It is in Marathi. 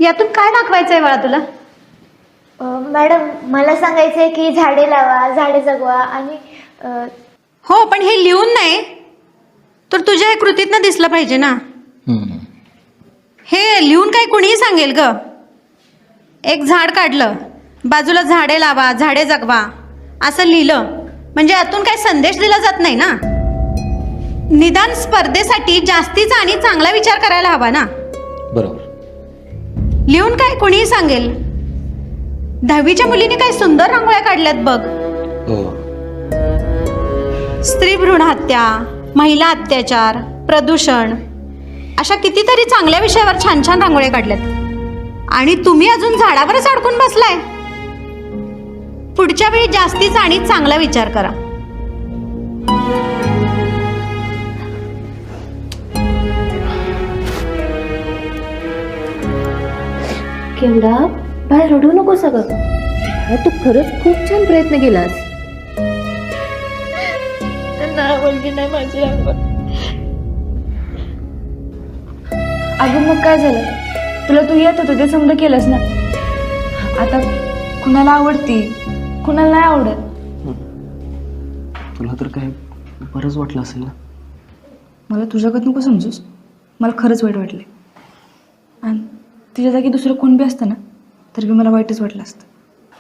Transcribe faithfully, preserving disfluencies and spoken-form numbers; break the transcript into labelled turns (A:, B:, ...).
A: यातून काय दाखवायचंय मला तुला?
B: मॅडम मला सांगायचंय की झाडे लावा, झाडे जगवा आणि अ,
A: हो, पण हे लिहून नाही तर तुझ्या हे कृतीतनं दिसलं पाहिजे ना. हे लिहून काय कुणीही सांगेल ग. एक झाड काढलं, बाजूला झाडे लावा, झाडे जगवा असं लिहिलं म्हणजे यातून काय संदेश दिला जात नाही ना. निदान स्पर्धेसाठी जास्तीचा आणि चांगला विचार करायला हवा ना.
C: बरोबर.
A: लिहून काय कुणीही सांगेल. दहावीच्या मुलीने काय सुंदर रांगोळ्या काढल्यात बघ.
C: हो.
A: स्त्री भ्रूण हत्या, महिला अत्याचार, प्रदूषण अशा कितीतरी चांगल्या विषयावर छान छान रांगोळ्या काढल्यात आणि तुम्ही अजून झाडावरच अडकून बसलाय. पुढच्या वेळी जास्तीचा आणि चांगला विचार करा.
D: केवढा बाहेर रडू नको सगळं. तू खरंच खूप छान प्रयत्न केलास.
B: आवडली नाही माझी रांगोळी.
E: अगं मग काय झालं? तुला तू येत होतं ते समजा केलंस ना. आता कुणाला आवडती, कुणाला नाही आवडत.
F: तुला तर काय बरंच वाटलं असेल ना.
E: मला तुझ्याकडं नको समजूस. मला खरंच वाईट वाटले आणि तुझ्या जागी दुसरं कोण बी असतं ना तर बी मला वाईटच वाटलं असतं.